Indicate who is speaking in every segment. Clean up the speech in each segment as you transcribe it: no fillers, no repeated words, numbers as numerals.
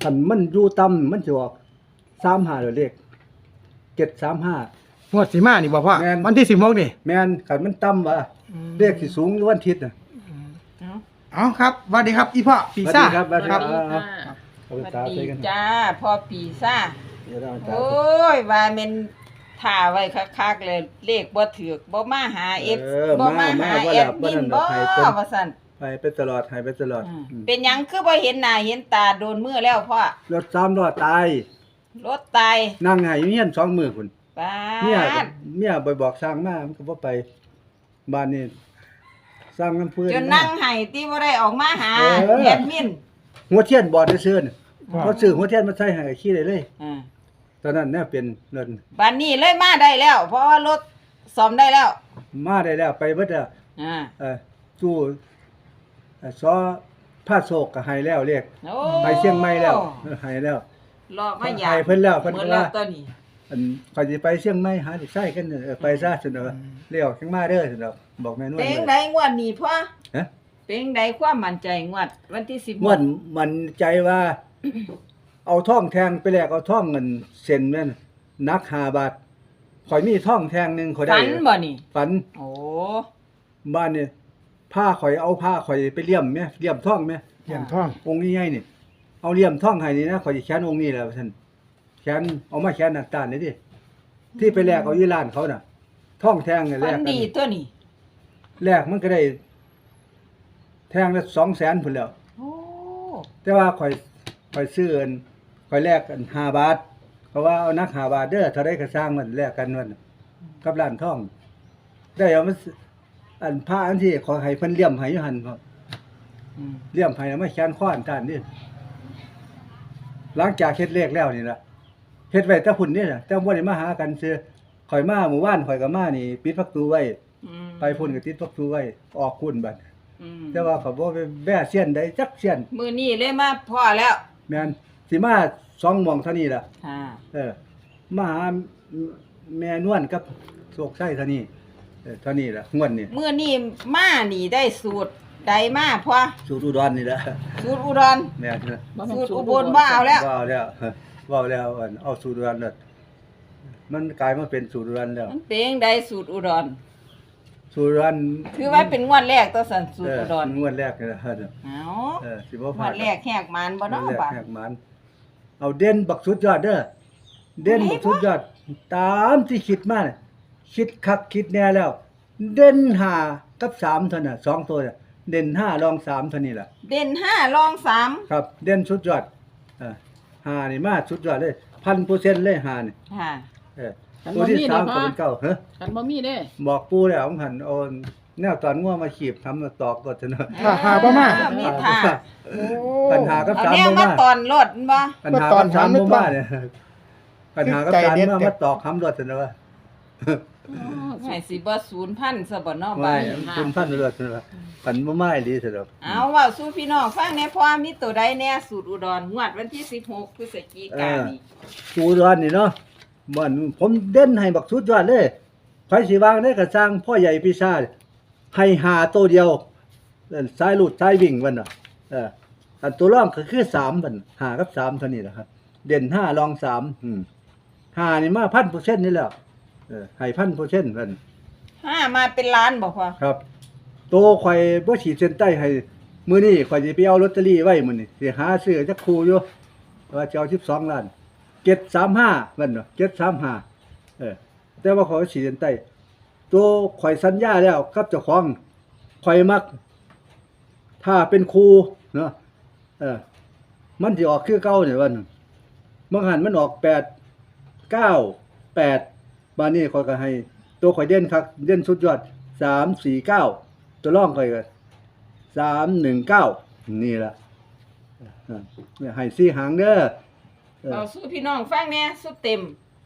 Speaker 1: คันมันอยู่ต่ำมันสิออก35เลข735
Speaker 2: งวดสิมานี่บ่พ่อ
Speaker 1: แม่น
Speaker 2: วันที่16นี่
Speaker 1: แม่นคันมันต่ำว่ะเลขสิสูงอยู่วันอาทิตย์น่ะ
Speaker 2: เอาครับสวัสดีครับอีพ่อปีซ่า
Speaker 1: สวัสดีครับ
Speaker 3: สวัสดีจ้าพ่อปีซ่า
Speaker 1: เดี๋ยวเราจะ
Speaker 3: โอ้ยว่าแม่นท่าไว้คักๆเลยเลขบ่ถูกบ่มาหา F บ่มาหาแอดมินบ่ว่าซั่น
Speaker 1: ไปตลอดให้ไปตลอด
Speaker 3: เป็นหยังคือบ่เห็นหน้าเห็นตาโดนมือแล้วพ่อ
Speaker 1: รถ3ล้อตาย
Speaker 3: รถตาย
Speaker 1: นั่งให้เมียน2มื้อพุ่น
Speaker 3: ป้า
Speaker 1: เมีย
Speaker 3: ด
Speaker 1: เมียไปบอกสร้างมามันก็บ่ไปบ้านนี้สร้างน้ำพื้น
Speaker 3: จนนั่งให้ที่บ่ได้ออกมาหาแอดมิน
Speaker 1: หัวเทียนบอดได้ซื้อน่ะเขาซื้อหัวเทียนมาใส่ให้ขี้ได้เลย
Speaker 3: อ่า
Speaker 1: ตอนนั้นเนี่ยเป็นเงิน
Speaker 3: บัดนี้เลยมาได้แล้ว เพราะว่ารถซ่อมได้แล้ว
Speaker 1: มาได้แล้วไปเบิดแล้ว
Speaker 3: อ่า
Speaker 1: ตู้ซอผ้าโศกก็ให้แล้วเรียก
Speaker 3: โอ้
Speaker 1: ไปเชียงใหม่แล้วให้แล้ว
Speaker 3: รอมาอยา
Speaker 1: ให้เพิ่นแล้วเพิ่น
Speaker 3: หม
Speaker 1: ก็
Speaker 3: ดแล้
Speaker 1: ว่า
Speaker 3: วตัวนี้
Speaker 1: อันข่อยสิไปเชียงใหม่หาลูกชายกันไปซะซั่นเด้อเรียกจังมาเด้อซั่นเด้อบอกแม่นวล
Speaker 3: เป็นไดงวดนี้พ่อ
Speaker 1: ฮะ
Speaker 3: เป็นไดความมั่นใจงวดวันที่10
Speaker 1: ม่วนมันใจว่า เอาท่องแทงไปแลกเอาท่องเงินเซ็นแม่นนัก5 บาทข่อยมีท่องแทงหนึงข่อยได้
Speaker 3: ฝันบ่นี่
Speaker 1: ฝัน
Speaker 3: โอ้
Speaker 1: บ้านนี่ผ้าข่อยเอาผ้าข่อยไปเลี่ยมแม่เลี่ยมท่องแม่
Speaker 2: เหรียญทอง
Speaker 1: องค์นี้ใหญ่นี่เอาเลี่ยมท่องให้นี่นะข่อยสิแขนองค์นี้แหละท่านแขนเอามาแขนหน้าตาลนี่ดิที่ไปแลกเอาอยู่ร้านเขาน่ะ ท่องแทงนี่แล
Speaker 3: ฝั
Speaker 1: ก
Speaker 3: น
Speaker 1: กัน
Speaker 3: ดีตัวนี้
Speaker 1: แลกมันก็ได้ แทงละ200,000พุ่นแล้ว
Speaker 3: โอ้
Speaker 1: แต่ว่าข่อยซื้ออันข่อยแลกกัน5 บาทเพราะว่าเอานัก5 บาทเด้อเท่าใดก็สร้างมันแลกกันมันกับร้านท่อง ได้เอามันอันผ้าอันที่ขอให้เพิ่นเลี่ยมให้อยู่หั่นครับ
Speaker 3: อืม
Speaker 1: เลี่ยมให้แล้วมาแขนข้ออันตานนี่หลังจากเฮ็ดเลขแล้วนี่ล่ะเฮ็ดไว้แต่พุ่นนี่น่ะแต่บ่ได้มาหากันซื่อข่อยมาหมู่บ้านข่อยก็มานี่ปิดประตูไว้
Speaker 3: อืม
Speaker 1: ไปพุ่นก็ติดประตูไว้ออกคุณบัด
Speaker 3: อืม
Speaker 1: แต่ว่าเขาบ่ไปแว่เสียนใดจักเสียน
Speaker 3: มื้อนี้เลยมาพ่อแล้ว
Speaker 1: แม่นสิมา2หม่องเท่านี้ล่ะ
Speaker 3: ค่ะ
Speaker 1: มาหาแม่นวลกับโศกไส้เท่านี้เท่านี้ล่ะงวดนี้
Speaker 3: มื้อนี้มานี่ได้สูตรใดมาพ่อ
Speaker 1: สูตรอุดรนี่ล่ะ
Speaker 3: สูตรอุดร
Speaker 1: แม่นนะ
Speaker 3: สูตรอุบลบ่เอาแล้ว
Speaker 1: ว้าวแล้วว้าวแล้วอันเอาสูตรอุดรแล้วมันกลายมาเป็นสูตรอุดรแล้ว
Speaker 3: มันเป็นจังไดสูตรอุดร
Speaker 1: สูตรอุดร
Speaker 3: ถือว่าเป็นงวดแรกตัวสันสูตรอุดร
Speaker 1: งวดแรกนี่ล่ะ
Speaker 3: เอา
Speaker 1: สิบ่
Speaker 3: ง
Speaker 1: พลาว ด
Speaker 3: ดแรกแหกมานบ่เนาะ
Speaker 1: งวดแรก
Speaker 3: บ่า
Speaker 1: แหกมันเอาเด่นบักสุดยอดเด้อเด่นบักสุดยอดตามที่คิดมาน่ะคิดคักคิดแน่แล้ว เด่น5กับ3เท่านั้น2ตัวน่ะเด่น5รอง3เท่านี้ล่ะ
Speaker 3: เด่น5รอง3
Speaker 1: ครับ เด่นสุดยอด5นี่มาสุดยอดเลย 1,000% เลย5นี่
Speaker 3: ค่ะ
Speaker 1: เออตัวที่3ก็เป็นเก้าฮะ
Speaker 4: กันบ่มีเด้
Speaker 1: บอกปู่แล้วผมหันเอาแนวตอนงัวมาขีบทำมาตอกก็เถอะเนาะ
Speaker 2: หาบ่มา
Speaker 3: มีท่า
Speaker 2: โอ้
Speaker 1: ปัญหากับ
Speaker 3: เอา
Speaker 1: 3
Speaker 3: แนว
Speaker 1: บ่
Speaker 3: มา
Speaker 1: มา
Speaker 3: ตอนรถบ่
Speaker 1: ปัญหากับ3บ่มาเนี่ยปัญหากับ
Speaker 2: ใจ
Speaker 1: 3
Speaker 2: เด็ด
Speaker 1: มาตอกคำรถเถอะเนาะ
Speaker 3: ให้สิบ่0,000ซะบ่เนาะบ่า
Speaker 1: ไม่คุณท่านรถเถอะเนาะปันบ่มาอีหลีเถอะเนาะ
Speaker 3: เอาเว้าสู่พี่น้องฟังแหน่พ่อมีตัวใดแน่สูตรอุดรงวดวันที่16พฤศจิกายนนี้
Speaker 1: กูร้อนนี่เนาะมันผมเด่นให้บักสุดยอดเลยใครสิวางได้ก็สร้างพ่อใหญ่ปีศาจให้หาตัวเดียวสายลูดสายวิ่งมันน่ะอันตัวรองก็คือ3มัน5กับ3เท่านี้แหละครับ เด่น5รอง35นี่มา 1,000% นี่แล้วให้ 1,000% มัน
Speaker 3: 5มาเป็นล้านบ่พ่อ
Speaker 1: ครับโตข่อยบ่ขีดเส้นใต้ให้มื้อนี้ข่อยสิไปเอาลอตเตอรี่ไว้มื้อนี้สิหาซื้อจักคู่อยู่ว่าจะเอา12ล้าน735มันเนาะ735แต่ว่าข่อยขีดเส้นใต้ตัวข่อยสัญญาแล้วกับเจ้าของข่อยมัก ถ้าเป็นครูเนาะมันสิออกคือเก่าเนี่ยวันบางหันมันออก8 9 8บาดนี้ข่อยก็ให้ตัวข่อยเด่นคักเด่นสุดยอด3 4 9ตัวรองข่อยก็3 1 9นี่ล่ะให้4หางเด้อ
Speaker 3: เอาสู่พี่น้องฟังแหน่สุดเต็ม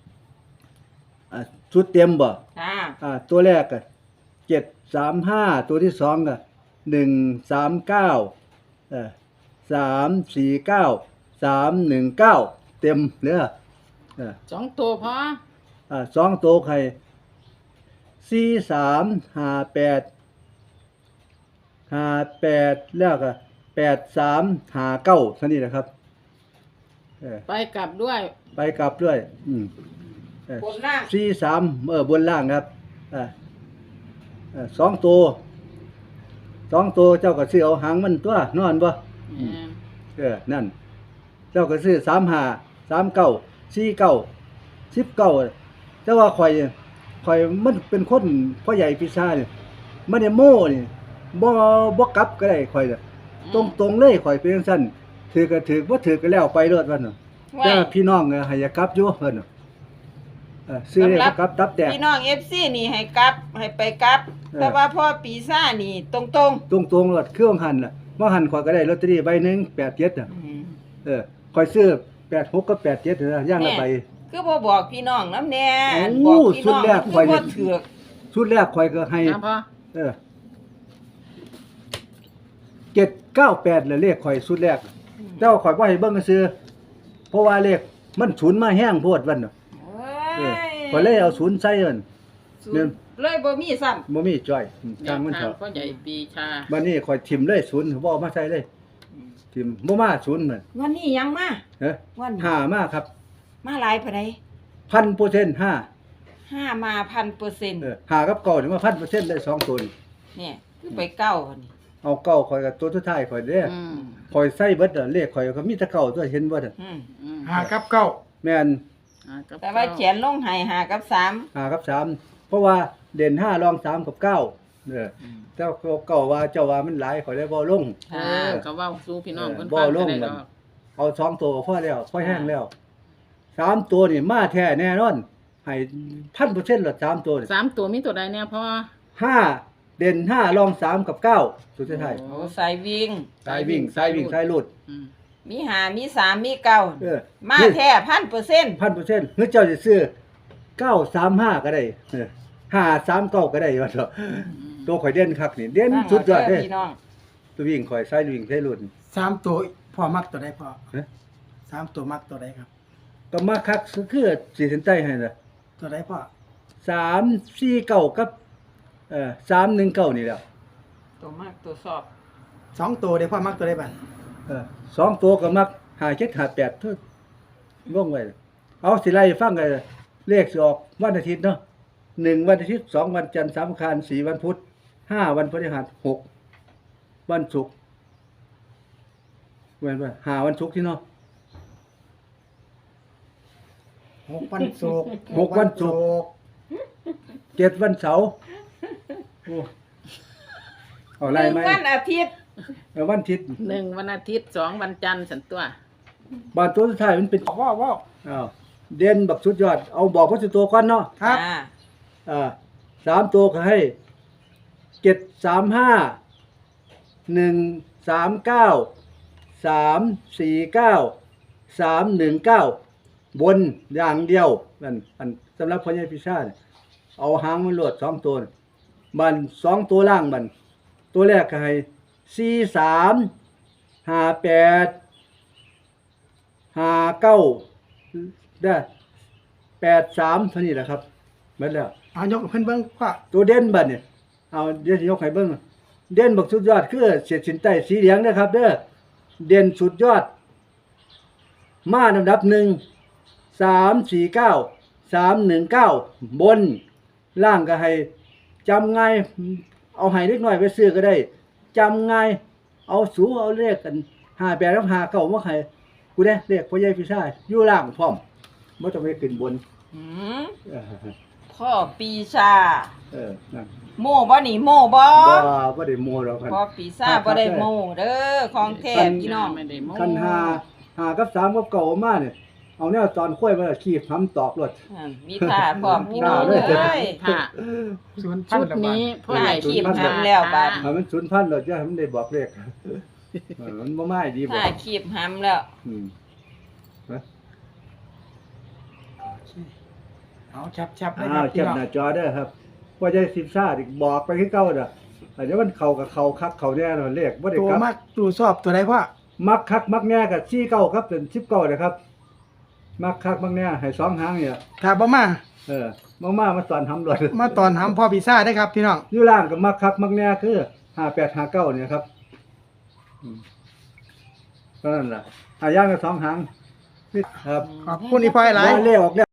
Speaker 1: ชุดเต็มบ่
Speaker 3: ค่ะ
Speaker 1: ตัวแรกก็735ตัวที่2ก็139 349 319เต็มเด้อ
Speaker 4: สองตัวพอ
Speaker 1: 2ตัวไข่4358แล้วก็8359เท่านี้แหละครับ
Speaker 4: ไปกลับด้วย
Speaker 1: ไปกลับด้วย
Speaker 3: บนล่าง
Speaker 1: 43บนล่างครับ2 ตัวเจ้าก็ซื้อเอาหางมันตัวนอนบ่ นั่น เจ้าก็ซื้อ35 39 49 19แต่ว่าข่อยมันเป็นคนพ่อใหญ่ปีศาจนี่มันได้โม่นี่บ่กลับก็ได้ข่อยน่ะตรงๆเลยข่อยเป็นจังซั่นถือก็ถือบ่ถือก็แล้วไปเลิศว่าน่ะแต่พี่น้องให้อย่ากลับอยู่เพิ่นน่ะซื้อได้บ่กลับตับแตก
Speaker 3: พี่น้อง FC นี่ให้กลับให้ไปกลับ แต่ว่าพ่อปีซ่าจนี่ตรง
Speaker 1: ตรงๆเลิศคือว่าหั่นน่ะว่าหั่นข่อยก็ได้ลอตเตอรี่ใบหนึง87น่ะข่อยซื้อ86กับ87นะอย่างละใบ
Speaker 3: ๆคือบ่บอกพี่น้องนำแน่
Speaker 1: โอ้
Speaker 3: บอกพี่น้อง
Speaker 1: สุดแรก
Speaker 3: คือ
Speaker 1: ข่อย
Speaker 3: บ่ถือก
Speaker 1: ชุดแรกข่อยก็ให้
Speaker 4: นะพ่อ
Speaker 1: 798เลยเลขข่อยชุดแรกเจ้าข่อยบ่ให้เบิ่งซื้อเพราะว่าเลขมันศูนย์มาแห้งโพดวันน่ะข่อยเลยเอาศูนย์ใส่มัน
Speaker 3: เลยบ่มีซ้ำ
Speaker 1: บ่มีจ้อยทางมัน
Speaker 4: ทา
Speaker 1: เถ
Speaker 4: ง
Speaker 1: อะ
Speaker 4: พ่อใหญ่ปีชา
Speaker 1: บัดนี้ข่อยทิ่มเลยศูนย์บ่เอามาใส่เลยทิ่มบ่มาศูนย์มัน
Speaker 3: วันนี้ยังมา
Speaker 1: เด้อ
Speaker 3: วันนี้
Speaker 1: ห้ามาครับ
Speaker 3: มาหลายปานใด
Speaker 1: 1,000%
Speaker 3: 5มา 1,000%
Speaker 1: 5กับ9นี่มา 1,000%เลย2ตัวนี่
Speaker 3: เนี่ยคือไปเก้าอันนี้
Speaker 1: เอาเก้าข่อยก็ตัวสุดท้ายข่อยเด้อข่อยใส่เบิดเลขข่อยก็มีแต่เก้าตัวเห็นบ่น่ะ
Speaker 2: 5กับ9
Speaker 1: แม่น
Speaker 3: แต่ว่าเขียนลงให้5กับ3
Speaker 1: 5กับ3เพราะว่าเด่น5รอง3กับ9เจ้าเก่าว่าเจ้าว่ามันหลายข่อยได้บ่ลง
Speaker 4: ก็เว้าสู่พี่น้องเพิ่น
Speaker 1: บ่
Speaker 4: ฟัง
Speaker 1: ล
Speaker 4: ก็
Speaker 1: ง
Speaker 4: ได้
Speaker 1: มั
Speaker 4: ด
Speaker 1: น
Speaker 4: อก
Speaker 1: เอา2ตัวพอแล้วพอแห้งแล้ว3ตัวนี่มาแท้แน่นอนให้ 1,000% ละ3ตัวนี่
Speaker 4: 3ตัวมีตัวใดแน่พ่อ
Speaker 1: 5เด่น5รอง3กับ9สุดท้าย
Speaker 3: โอ้สายวิ่ง
Speaker 1: สายวิ่งสายหลุด
Speaker 3: มี5มี3มี9มาแท้ 1,000%
Speaker 1: 1,000%หรือเจ้าสิซื้อ935ก็ได้539ก็ได้ว่าเถอะตัวข่อยเด่นคักนี่เด่นสุดยอดเด้
Speaker 3: พี่น้อง
Speaker 1: ตัววิ่งข่อยสายวิ่งสายหลุด
Speaker 2: 3ตัวพ่อมักตัวใดพ่อ
Speaker 1: ฮะ
Speaker 2: 3ตัวมักตัวใดครับ
Speaker 1: ก็มาคักคือสีเส้นใต้ให้น่ะ
Speaker 2: ตัวใดพ่อ
Speaker 1: 349กับ319นี่แหละ
Speaker 3: ตัวมากตัวสอบ
Speaker 2: 2ตัวเด้พ่อมักตัวใดบัด
Speaker 1: 2ตัวก็มัก5758เท่าว่องไว้เอาสิไล่ฟังกันเลขสิออกวันอาทิตย์เนาะ1วันอาทิตย์2วันจันทร์3วันอังคาร4วันพุธ5วันพฤหัส6วันศุกร์เว้นว่า5วันศุกร์ที่เนาะ
Speaker 2: 6วันศุกร์
Speaker 1: 6วันศุกร์7วันเสาร์โอ้เอาไล่ไหม
Speaker 3: วันอาทิตย์
Speaker 1: วันอาทิตย์
Speaker 4: 1วันอาทิตย์2วันจันทร์สันตัว
Speaker 1: บานตัวสุดท้ายมันเป็น
Speaker 2: ว้าว
Speaker 1: อ้าวเด่นบักสุดยอดเอาบอกว่าสุดตัวก่อนเนาะ
Speaker 2: ครับ
Speaker 1: 3ตัวก็ให้735 139 349 319บนอย่างเดียวนั่นอันสำหรับพ่อใหญ่พิชาเนี่ยเอาหางมันโลด2ตัวบัน2ตัวล่างบันตัวแรกก็ให้43 58 59ได้83เท่านี้แหละครับหมดแล้ว
Speaker 2: เอายกให้เพิ่นเบิ่งพ่อ
Speaker 1: ตัวเด่นบัดเนี่ยเอาเดี๋ยวสิยกให้เบิ่งเด่นบักสุดยอดคือเศษสินใต้สีเหลืองนะครับเด้อเด่นสุดยอดมาลำดับ1 349 319บนล่างก็ให้จำง่ายเอาให้เล็กน้อยไปซื้อก็ได้จำง่ายเอาสูเอาเลขกัน58กับ59มาให้กูเด้เลขพ่อใหญ่พี่ชายอยู่ล่างพร้อมบ่ต้องไปขึ้นบน
Speaker 3: หืม
Speaker 1: เออ
Speaker 3: พ่อปีชา
Speaker 1: นั่น
Speaker 3: โม่บ่นี่โม่บ่
Speaker 1: บ่ได้โม้หรอกครับ
Speaker 3: พ่อปีชาบ่ได้โม่เด้อของแท้พี่น้อง
Speaker 4: ไม่ได้โม้
Speaker 1: คัน5กับ3กับเก่ามาเนี่ยเอาแนวตอนค่อยมาขีบทำตอกรถ
Speaker 3: มีท่าพร้อมพี่น้อง
Speaker 1: ท่าเลย
Speaker 3: เอ้ย
Speaker 4: ค่ะ
Speaker 2: 0,000
Speaker 4: ชุด
Speaker 2: ละบาท
Speaker 4: นี้พ่อใหญ่
Speaker 3: ขีบทำแล้วบาด
Speaker 1: ให้มัน0,000รถอย่าให้มันได้บอกเลขมันบ่มาให้ดีบ่
Speaker 3: ท่าขีบหำแล้ว
Speaker 1: อืม
Speaker 2: เอาชับๆได้ค
Speaker 1: อ้า
Speaker 2: รั
Speaker 1: ว
Speaker 2: บ
Speaker 1: แค
Speaker 2: พี่
Speaker 1: ป
Speaker 2: น้อง
Speaker 1: หน้าจอเด้อครับว่าจะสิบซ่าอีกบอกไปคือเก่าเด้อเดี๋ยวมันเข้ากับเข้าคักเข้าแน่เนาะเลขบ่ได้
Speaker 2: ตัว
Speaker 1: กลับ
Speaker 2: มักตัวชอบตัวใดพ่อ
Speaker 1: มักคักมักแน่กับ49ครับเป็น19นะครับมักคักมักแน่ให้2หางเนี่ย
Speaker 2: ถ้าบ่มา
Speaker 1: มาสอนทำรถ
Speaker 2: มาตอนหำพ่อพิซซ่าได้ครับพี่น้อง
Speaker 1: อยู่ล่างก็มักคักมักแน่คือ5859เนี่ยครับเท่านั้นล่ะหาย่างก็2หางครับ
Speaker 2: ขอบคุณอีพ่อหลาย
Speaker 1: ว่าเลขออกแล้ว